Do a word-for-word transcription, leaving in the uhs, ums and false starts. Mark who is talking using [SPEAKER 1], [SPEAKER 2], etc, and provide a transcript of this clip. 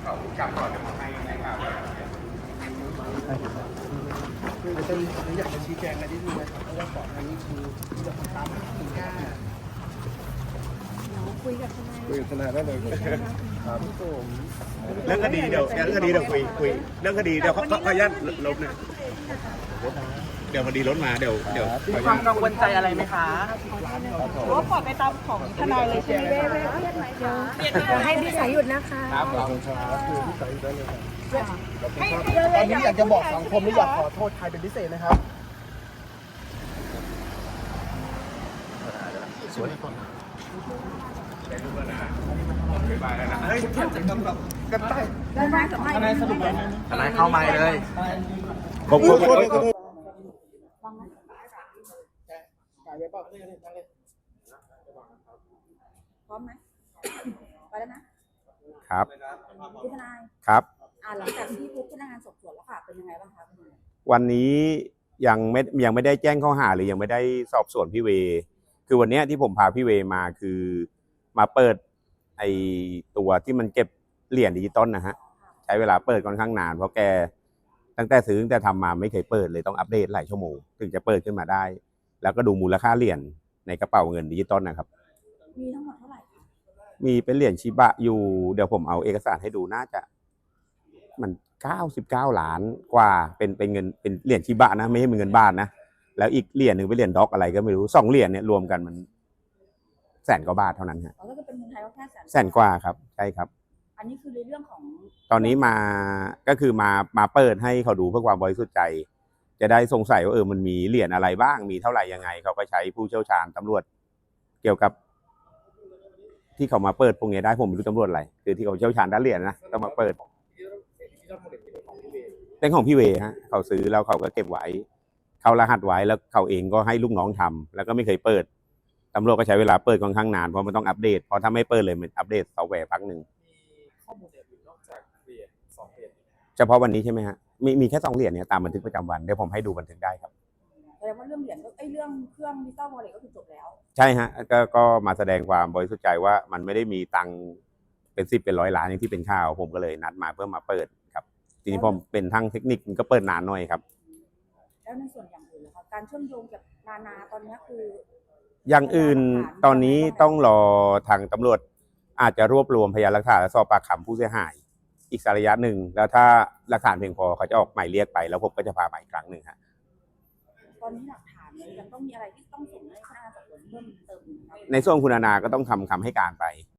[SPEAKER 1] เขาจับก่อนจะมาให้ในข่าว
[SPEAKER 2] คือตอนนี้ผมอยากจะชี้แจงอะไรนิดนึงนะครับเพราะว่าก่อนหน้านี้คือที่เราตามคุณย่า
[SPEAKER 3] คุยกับทนาย
[SPEAKER 2] คุยกับทนายได้เลยครับผม
[SPEAKER 4] เรื่องคดีเดี๋ยวเรื่องคดีเดี๋ยวคุยคุยเรื่องคดีเดี๋ยวขอขออนุญาตลบนะเดี๋ยวคดีรถมาเดี๋ยวเดี๋ยว
[SPEAKER 5] มีความกังวลใจอะไรไหมคะ
[SPEAKER 3] หรือว่าปล่อยไปตามของทนายเลยใช่ไหมเดี๋ยวเดี๋ยวให้พี่สายหยุดนะคะ
[SPEAKER 2] ครับขอบคุณครับคือที่ใส่ได้เลยครับ
[SPEAKER 3] ให้
[SPEAKER 2] ตอนนี้อยากจะบอกสังคมและอยากขอโทษใครเป็นพิเศษนะครับสวยก่อนเฮ้ยกันใต้
[SPEAKER 3] ทนายสมัย
[SPEAKER 2] ทนายสรุปเลย
[SPEAKER 5] ทนายเข้ามาเลย
[SPEAKER 4] ขอบคุณ
[SPEAKER 2] จ่ายไว้เปล่า
[SPEAKER 3] พร้อมไหมไปแล้วนะครับ พี่ทนาย
[SPEAKER 4] ครับ
[SPEAKER 3] อ่าหลังจากที่พบพนักงานสอบสวนแล้วค่ะเป็นยังไงบ้างคะ
[SPEAKER 4] วันนี้ยังไม่ยังไม่ได้แจ้งข้อหาหรือยังไม่ได้สอบสวนพี่เวคือวันนี้ที่ผมพาพี่เวมาคือมาเปิดไอตัวที่มันเก็บเหรียญดิจิตอลนะฮะใช้เวลาเปิดค่อนข้างนานเพราะแกตั้งแต่ซื้อตั้งแต่ทำมาไม่เคยเปิดเลยต้องอัปเดตหลายชั่วโมงถึงจะเปิดขึ้นมาได้ แล้วก็ดูมูลค่าเหรียญในกระเป๋าเงินดิจิตอลนะครับ
[SPEAKER 3] มีทั้งหมดเท่าไหร่คะ
[SPEAKER 4] มีเป็นเหรียญชิบะอยู่เดี๋ยวผมเอาเอกสารให้ดูน่าจะมันเก้าสิบเก้าล้านกว่าเป็นเป็นเงินเป็นเหรียญชิบะนะไม่ใช่เป็นเงินบาทนะแล้วอีกเหรียญหนึ่งเป็นเหรียญด็อกอะไรก็ไม่รู้สองเหรียญเนี่ยรวมกันมันแสนกว่าบาทเท่านั้นฮะ
[SPEAKER 3] อ๋อก็เป็นเงินไทยก็แค่แสน
[SPEAKER 4] แสนกว่าครับใช่ครับ
[SPEAKER 3] อันนี้คือในเรื่องของ
[SPEAKER 4] ตอนนี้มาก็คือมามาเปิดให้เขาดูเพื่อความบริสุทธิ์ใจ จะได้สงสัยว่าเออมันมีเหรียญอะไรบ้างมีเท่าไหร่ยังไงเขาก็ใช้ผู้เชี่ยวชาญตำรวจเกี่ยวกับ ที่เขามาเปิดพวกนี้ได้ผมไม่รู้ตำรวจอะไรคือที่เขาเชี่ยวชาญด้านเหรียญนะต้องมาเปิดเป็นของพี่เวฮะเขาซื้อแล้วเขาก็เก็บไว้เขารหัสไว้แล้วเขาเองก็ให้ลูกน้องทำแล้วก็ไม่เคยเปิดตำรวจก็ใช้เวลาเปิดค่อนข้างนานเพราะมันต้องอัปเดตเพราะถ้าไม่เปิดเลยมันอัปเดตซอฟต์แวร์พักหนึ่งเฉพาะวันนี้ใช่ไหมฮะมีมีแค่สองเหรียญเนี่ยตามบันทึกประจำวันเดี๋ยวผมให้ดูบันทึกได้ครับ
[SPEAKER 3] แสดงว่าเรื่องเหรียญก็ไอ้เรื่องเครื่องดิจิตอลวอลเล็ตก็คือจบแล้ว
[SPEAKER 4] ใช่ฮะก็ก็มาแสดงความบริสุทธิ์ใจว่ามันไม่ได้มีตังค์เป็นสิบเป็นร้อยล้านอย่างที่เป็นข่าวผมก็เลยนัดมาเพื่อมาเปิดครับทีนี้ผมเป็นทางเทคนิคมันก็เปิดนานหน่อยครับ
[SPEAKER 3] แล้วในส่วนอย่างอื่นนะคะการเชื่อมโยงกับนานาตอนนี้คือ
[SPEAKER 4] อย่างอื่นตอนนี้ต้องรอทางตำรวจอาจจะรวบรวมพยานหลักฐานและสอบปากคำผู้เสียหายอีกสักระยะหนึ่งแล้วถ้าหลักฐานเพียงพอเขาจะออกหมายเรียกไปแล้วผมก็จะพาไปอีกครั้งหนึ่งฮะ
[SPEAKER 3] ตอนนี้หลักฐานเนี่ยยังต้องมีอะไรที่ต้องส่งให้พนักงานสอบสวนเพิ่มเติมอีกไหมคะ
[SPEAKER 4] ในส่วนคุณอาณาก็ต้องทำคำให้การไป